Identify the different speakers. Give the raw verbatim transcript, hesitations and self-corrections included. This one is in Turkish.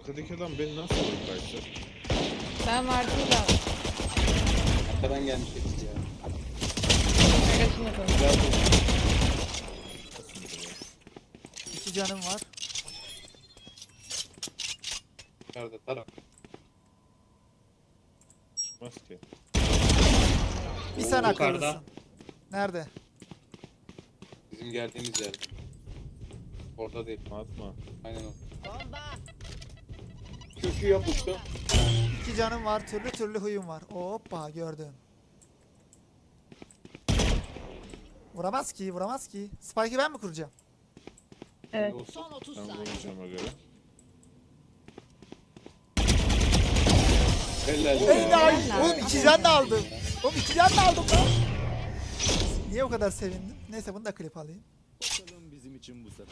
Speaker 1: Arkadaki adam beni nasıl vurdu kaçtı?
Speaker 2: Ben vardım da.
Speaker 3: Arkadan gelmiş hepsi ya.
Speaker 2: Arkadaşım yapalım.
Speaker 3: Güzel bu.
Speaker 1: Nasıl vurdu ya?
Speaker 4: İki canım var.
Speaker 3: Yukarıda taraf.
Speaker 1: Çıkmaz ki.
Speaker 4: Bir
Speaker 3: Oo,
Speaker 4: sen
Speaker 3: yukarıda.
Speaker 4: akıllısın. Nerede?
Speaker 3: Bizim geldiğimiz yerde. Orada değil.
Speaker 1: Atma.
Speaker 3: Aynen o. Kökü yapıştı.
Speaker 4: İki canım var. Türlü türlü huyum var. Hoppa gördüm. Vuramaz ki, vuramaz ki. Spike'ı ben mi kuracağım?
Speaker 2: Evet.
Speaker 5: Son otuz
Speaker 1: Ben
Speaker 5: saniye.
Speaker 1: vuracağıma göre.
Speaker 3: Helal.
Speaker 4: Helal. Oğlum iki can da aldım. Oğlum iki can da aldım lan. Niye o kadar sevindim? Neyse bunu da klip alayım.
Speaker 6: Bakalım bizim için bu sefer